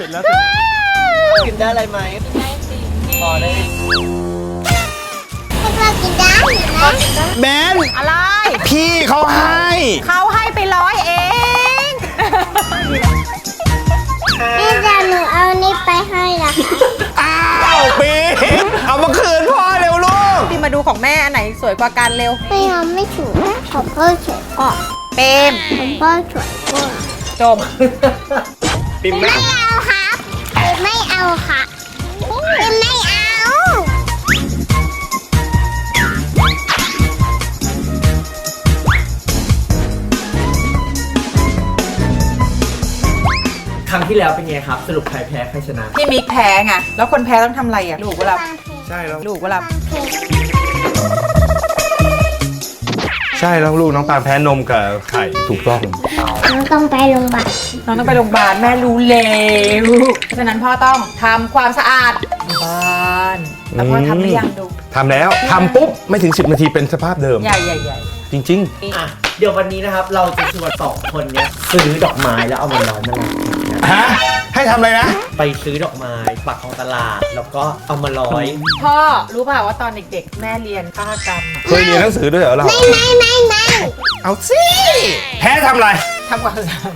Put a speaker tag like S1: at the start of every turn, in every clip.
S1: ร็จแล้ว
S2: กินได้อะไรไหมได้สิพอได้
S3: เรากินได้นะ
S1: แบน
S4: อะไร
S1: พี่เขาให้
S4: เขาให้ไป100เอง
S3: นี่จะหนูเอานี่ไปให้ละ
S1: อ้าวปีเอามาคืนพ่อเร็วลูก
S4: พี่มาดูของแม่อันไหนสวยกว่ากันเร็ว
S3: ไม่เอาไม่ถูกของพ่อสวยกว่า
S4: เปม
S3: ของพ่อสวยกว่า
S4: จม
S1: ปิ่ม
S3: ไม่เอาครับไม่เอาค่ะไม่เอา
S2: ครั้งที่แล้วเป็นไงครับ สรุปใครแพ้ใครชนะ
S4: พี่มิกแพ้ไงแล้วคนแพ้ต้องทำอะไรอ่ะลูกเวลา
S1: ใช่แล้ว
S4: ลูกเวลา
S1: ใช่แล้วลูกน้องตาลแพ้นมกับไข่ถูกต้อง
S3: หนูต้องไปโรงพยาบาล
S4: น้องต้องไปโรงพยาบาลแม่รู้แล้วเพราะฉะนั้นพ่อต้องทำความสะอาดบ้านแล้วพ่อทำหรือยังดู
S1: ทำแล้วทำปุ๊บไม่ถึง10 นาทีเป็นสภาพเดิม
S4: ใหญ่ใหญ่ใหญ่
S1: จริง
S2: อ่ะ เดี๋ยววันนี้นะครับ เราจะชวน2 คนเนี้ยซื้อดอกไม้แล้วเอามาร้อยมาลอย
S1: ๆ ฮะ ให้ทำอะไรนะ
S2: ไปซื้อดอกไม้ปักของตลาด แล้วก็เอามาร้อย
S4: พ่อรู้เปล่าว่าตอนเด็กๆ แม่เรียนฆาตกรรมอะ
S1: เคยเรียนหนังสือด้วยเหรอเรา
S3: ไม่
S1: เอาสิแพ้ทำอะไร
S4: ทำความสะอาด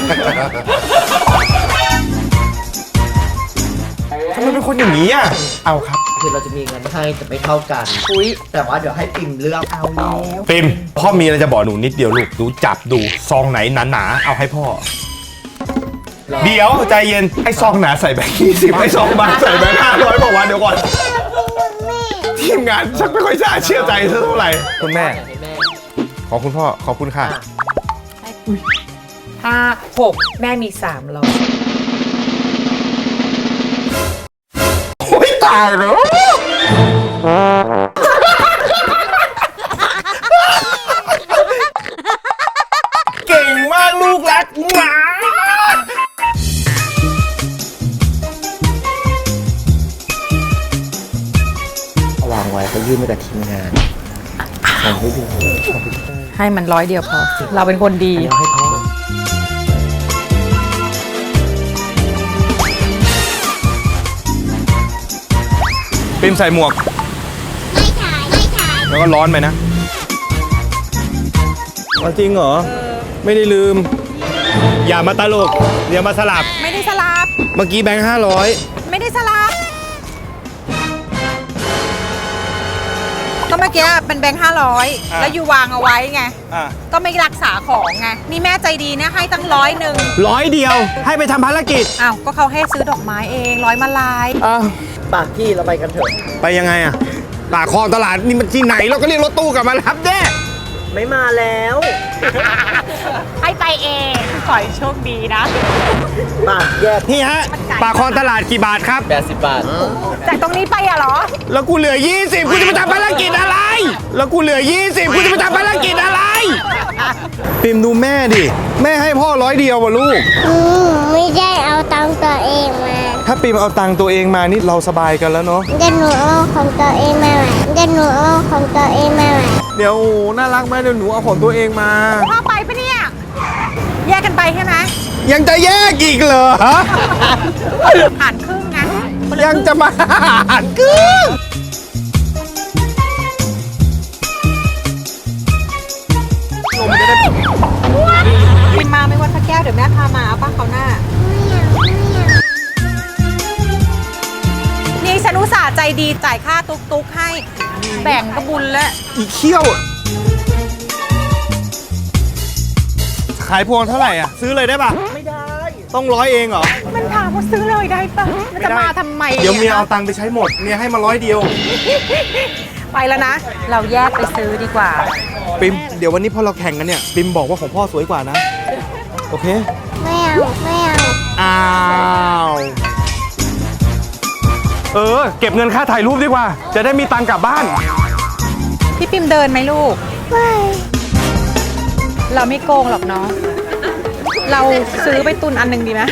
S1: ทำไมเป็นคนอย่างนี้อ่ะ เอาครับ
S2: คือเราจะมีเงินให้แต่ไม่เท่ากัน
S4: อุ้ย
S2: แต่ว่าเดี๋ยวให้ปิ่มเลือก
S4: เอาแล้ว
S1: ปิมพ่อมีอะไรจะบอกหนูนิดเดียวลูก ดูจับดูซองไหนหนาๆเอาให้พ่อ เดี๋ยวใจเย็นไอ้ซองหนาใส่แบงค์20ไอ้ซองบางใส่แบงค์500บอกว่าเดี๋ยวก่อน ทีมงานชักไม่ค่อยจะเชื่อใจเท่าไหร่คุณแม่
S2: ให้แม่
S1: ขอบคุณพ่อ ขอบคุณค่ะ
S4: 6แม่มี300
S1: โอ้ยตายแล้วเก่งมากลูกรักหมาวางไว้เขายื่นมากับทีมงานทำให้ดู
S4: ให้มัน100เดียวพอ เราเป็นคนดี
S2: เดี๋ยวให้พ่อ
S1: ปิมใส่หมวก
S3: ไม่ถ่ายไม่ถ่าย
S1: แล้วก็ร้อนไปนะจริงเหรอ ไม่ได้ลืม อย่ามาตลกอย่ามาสลับ
S4: ไม่ได้สลับ
S1: เมื่อกี้แบงค์500
S4: ไม่ได้สลับ ก็เมื่อกี้เป็นแบงค์500 แล้วอยู่วางเอาไว้ไง
S1: อ่ะ
S4: ก็ไม่รักษาของไง นี่แม่ใจดีนะให้ตั้ง100
S1: 100 เดียว ให้ไปทำภารกิจ
S4: อ้าว ก็เขาให้ซื้อดอกไม้เอง100มาลาย
S1: อ้าว
S2: ปากกี้เราไปกันเถอะ
S1: ไปยังไงอ่ะปากคลองตลาดนี่มันที่ไหนเราก็เรียกรถตู้กลับมารับเด้
S2: ไม่มาแล้ว
S4: ให้ไปเองขอให้โชคดีนะ
S2: ปากแยก
S1: นี่ฮะปากคลองตลาดกี่บาทครับ
S2: 80 บาท
S4: จากตรงนี้ไปอะเหรอ
S1: แล้วกูเหลือ 20กูจะไปทำภารกิจอะไร แล้วกูเหลือ 20กูจะไปทำภารกิจอะไรปิมดูแม่ดิแม่ให้พ่อ100 เดียวว่ะลูก
S3: ไม่ได้เอาตังค์ตัวเองมา
S1: ถ้าปิมเอาตังค์ตัวเองมานี่เราสบายกันแล้วเนาะ
S3: เดี๋ยวหนูเอาของตัวเองมาใหม่เดี๋ยวหนูเอาของตัวเองมาใหม่
S1: เดี๋ยวโอ้โหน่ารักไหมเดี๋ยวหนูเอาของตัวเองมา
S4: พ่อไปปะเนี่ย แยกกันไปใช่ไหม
S1: ยังจะแยกอีกเหรอฮะ
S4: หารครึ่งนะ
S1: ยังจะมาหารครึ่ง
S4: พิมมาไม่ว่าสักแก้วเดี๋ยวแม่พามาเอาป้าเขาวหน้า นี่ฉันอุตส่าห์ใจดีจ่ายค่าตุ๊กๆให้ แบ่งกระบุญแล้ว
S1: อีเขี้ยว ขายพวงเท่าไหร่อ่ะ ซื้อเลยได้ป่ะ
S2: ไม่ได้
S1: ต้อง100 เองเหรอ
S4: มันถามว่าซื้อเลยได้ปะมันจะมาทำไม
S1: เดี๋ยวเมียเอาตังค์ไปใช้หมด เมียให้มา100 เดียว
S4: ไปแล้วนะ เราแยกไปซื้อดีกว่า
S1: ปิม เดี๋ยววันนี้พอเราแข่งกันเนี่ย ปิมบอกว่าของพ่อสวยกว่านะ โอเค
S3: ไม่เอาไม่เอา
S1: อ้าว เก็บเงินค่าถ่ายรูปดีกว่า จะได้มีตังค์กลับบ้าน
S4: พี่ปิมเดินไหมลูก
S3: ไม่
S4: เราไม่โกงหรอกเนาะ เราซื้อไปตุนอันหนึ่งดีไหม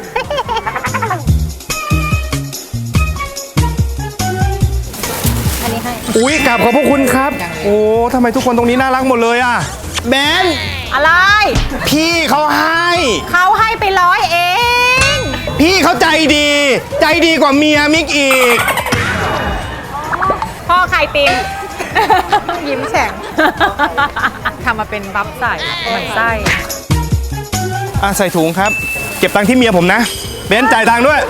S4: อันนี้ให้
S1: อุ๊ยกราบขอบพระคุณครับ โอ้ทำไมทุกคนตรงนี้น่ารักหมดเลยอ่ะแบน
S4: อะไร
S1: พี่เขาให้
S4: เขาให้ไป100เอง
S1: พี่พี่เขาใจดี ใจดีกว่าเมียมิกอีก
S4: พ่อใครปิม ยิ้มแฉ่ง ทำมาเป็นบัฟใส่เหมือนไส้
S1: ใส่ถุงครับ เก็บตังค์ที่เมียผมนะเบนซ์จ่ายตังค์ด้วย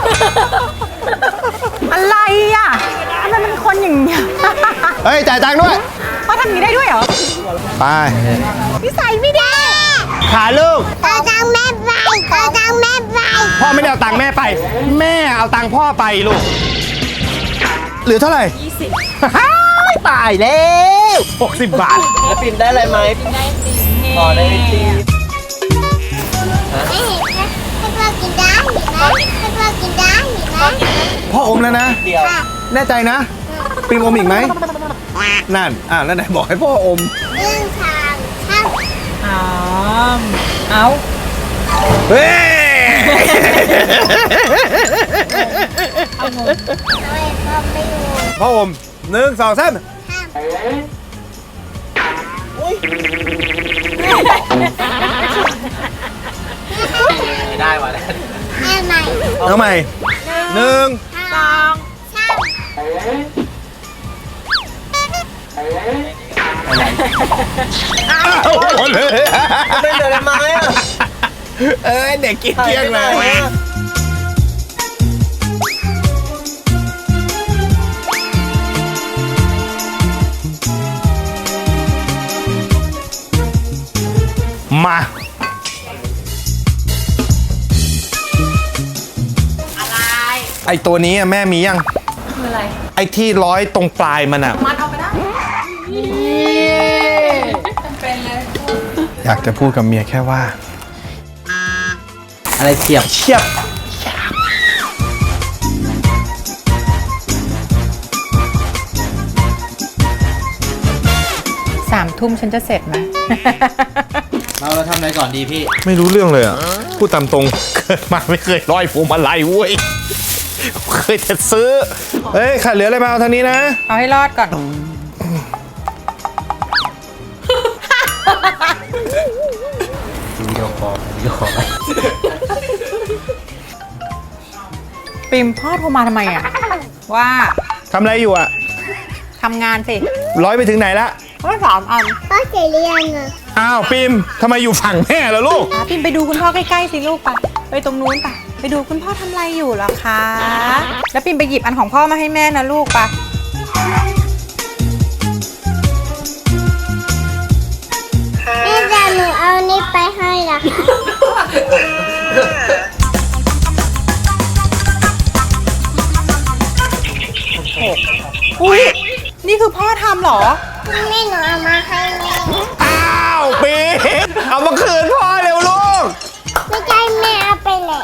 S4: อะไรอ่ะทำไมเป็นคนอย่างเงี้ย
S1: เฮ้ย จ่ายตังค์ด้วย
S4: พ่อทำอย่างนี้ได้ด้วยเหรอ
S1: ไป
S4: นิสัยไม่ดี
S1: ขาลูก
S3: เอาตังค์แม่ไปเอาตังค์แม่ไป
S1: พ่อไม่ได้เอาตังค์แม่ไป แม่เอาตังค์พ่อไปลูก เหลือเท่าไหร่ 20 ตายแล้ว60 บาท
S2: แล้วปิ่นได้อะไรไหมอ๋อได้จริง
S3: ไม่เห็นไหมให้พ่อกินได้เห็นไหมให้พ่อกินได้เห็นไหม
S1: พ่ออมแล้วนะ
S2: เดียว
S1: แน่ใจนะปิมอมอีกไหม นั่น แล้วไหนบอกให้พ่ออม
S3: เรื่องทางข้าม
S4: เอา
S1: เฮ้ย
S3: เอาไว้พ่อไม่รู้
S1: พ่ออม1 2 3
S3: ข้าม
S2: ไม่ได้ว่ะ
S3: แม่ใหม่
S1: เอาใหม่1
S4: สอง
S3: ข้าม
S1: เอาหมดเลย
S2: ไม่เหลืออะไรไหมอ่ะ
S1: เด็กกินเกลี้ยงเลย มา
S4: อะไร
S1: ไอตัวนี้แม่มียัง
S4: คืออะไร
S1: ไอที่ร้อยตรงปลายมันอะ
S4: มัดเอาไปได้เป็นเลย
S1: อยากจะพูดกับเมียแค่ว่า
S2: อะไรเฉียบ
S1: เชียบ
S4: 3 ทุ่มฉันจะเสร็จไหม
S2: เราทำอะไรก่อนดีพี่
S1: ไม่รู้เรื่องเลยอ่ะ พูดตามตรง เกิดมาไม่เคยร้อยพวงมาลัยเว้ย เคยแต่ซื้อ เฮ้ยขาดเหลืออะไรมาเอาทางนี้นะ
S4: เอาให้รอดก่อน
S2: วิดีโอคอลไป
S4: ปิมพ่อโทรมาทำไมอ่ะ ว่า
S1: ทำอะไรอยู่อ่ะ
S4: ทำงานสิ
S1: ร้อยไปถึงไหนละ
S4: พ่อ3 อัน
S3: พ่อเสร็จหรือยังอ่ะ
S1: อ้าวปิมทำไมอยู่ฝั่งแม่ล่ะลูก
S4: ปิมไปดูคุณพ่อใกล้ๆสิลูกไปไปตรงนู้นไปดูคุณพ่อทำอะไรอยู่เหรอคะ แล้วปิมไปหยิบอันของพ่อมาให้แม่นะลูกไป
S3: แม่จะหนูเอานี่ไปให้นะคะ
S4: อุ้ยนี่คือพ่อทำเหรอ
S3: แม่หนูเอามาให้แม่
S1: อ้าวปิมเอามาคืนพ่อเร็วลูก
S3: ไม่ใช่แม่เอาไปแล้ว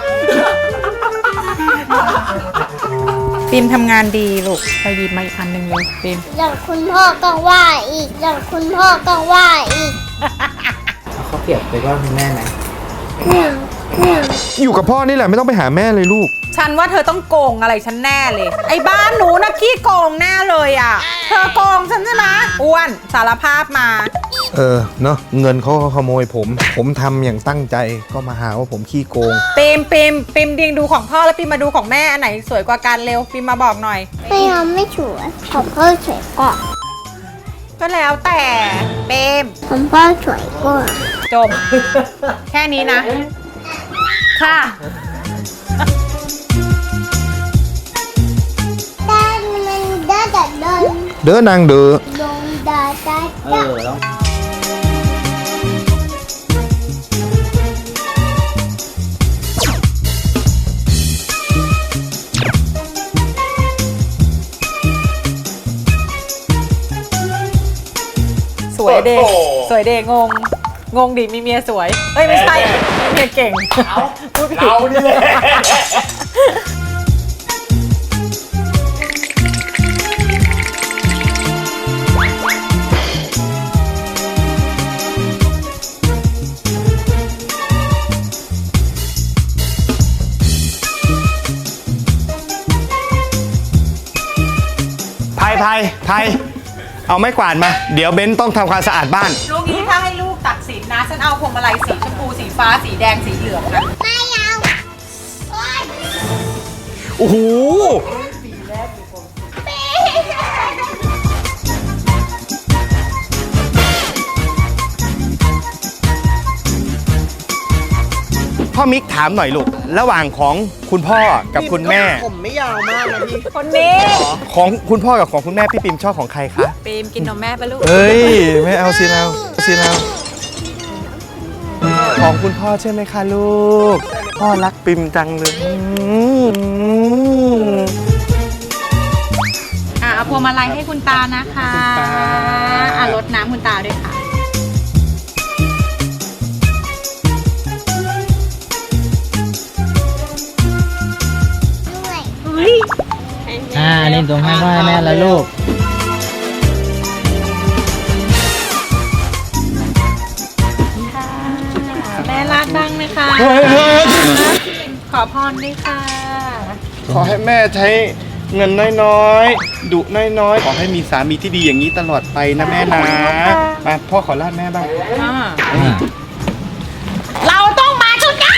S4: ปิมทำงานดีลูกไปหยิบมาอีกอันหนึ่งเลยปิม
S3: อย่างคุณพ่อก็ว่าอีกอย่างคุณพ่อก็ว่าอีก
S2: เขาเปรียบไปว่าคุณแม่ไหม
S1: อยู่กับพ่อนี่แหละไม่ต้องไปหาแม่เลยลูก
S4: ฉันว่าเธอต้องโกงอะไรฉันแน่เลย ไอ้บ้านหนูนะขี้โกงแน่เลยอ่ะ เธอโกงฉันใช่ไหมอ้วนสารภาพมา
S1: เนาะเงินเขาขโมยผมทำอย่างตั้งใจก็มาหาว่าผมขี้โกง
S4: ปิมดิงดูของพ่อแล้วปิมมาดูของแม่อันไหนสวยกว่ากันเร็วปิมมาบอกหน่อย
S3: ไม่เอาไม่สวยผมพ่อสวยกว่า
S4: ก็แล้วแต่ปิม
S3: ผมพ่อสวยกว่า
S4: จบ แค่นี้นะ ค่ะ
S3: ด้านมันด้านแต่เดิน
S1: เด้อนางเด้อ
S3: ลงดาด้า
S2: แล้ว
S4: สวยเดสวยเดงงดิมีเมียสวย เอ้ยไม่ใช่มีเมียเก่งพูดผิด
S1: เอานี่แหละ ไพเอาไม้กวาดมา เดี๋ยวเบนซ์ต้องทำความสะอาดบ้าน
S4: ลูกนี้ถ้าให้ลูกตัดสินนะ ฉันเอาพวงมาลัยสีชมพูสีฟ้าสีแดงสีเหลืองนะ
S3: ไม่เอาโอ๊ย
S1: โอ้โหพ่อมิกถามหน่อยลูกระหว่างของคุณพ่อกับคุณแม่
S2: ผมไม่ยาวมากนะพี่
S4: คนนี้
S1: ของคุณพ่อกับของคุณแม่พี่ปิมชอบของใครคะ
S4: ปีมกินนมแม่ปะลูก
S1: เอ้ยไม่เอาสิเราของคุณพ่อใช่ไหมคะลูก พ่อรักปิมจังเลย
S4: เอาพวงมาลัยให้คุณตานะคะรดน้ำคุณตาด้วยค่ะ
S3: ด้วย
S2: นี่ตรงให้พ่อให้แม่แล้วลูก
S4: แม่ลาดบ้างนะคะ ขอพรด้วยค่ะ
S1: ขอให้แม่ใช้เงินน้อยๆ ดุน้อยๆ ขอให้มีสามีที่ดีอย่างนี้ตลอดไปนะแม่นะมาพ่อขอลาดแม่บ้าง
S4: เราต้องมาชุดกัน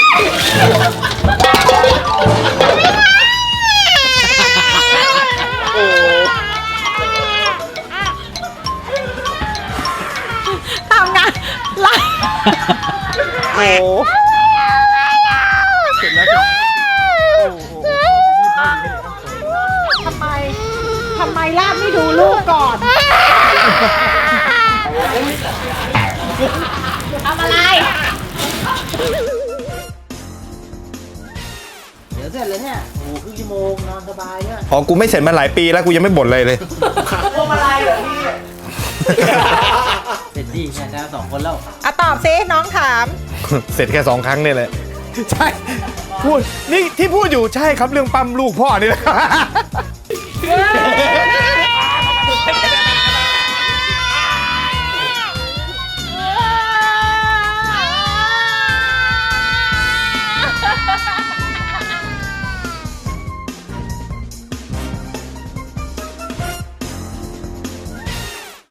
S4: ทำงานไล่
S1: โอ้เสร็จแล้ว
S4: ทำไมลาบไม่ดูลูกก่อนทำอะไร
S2: เดี๋ยวเสร็จเลยเนี่ย โอ้โหครึ่งชั่วโมงนอนสบายเนี่ย
S1: ของกูไม่เสร็จมาหลายปีแล้วกูยังไม่บ่นเลย
S2: พวงมาลัยเหรอพี่ เสร็จดีเนี่ยนะ2 คนแล้ว
S4: ตอบซิน้องถาม
S1: เสร็จแค่2 ครั้งนี่แหละใช่พูดนี่ที่พูดอยู่ใช่ครับเรื่องปั๊มลูกพ่อนี่แหละ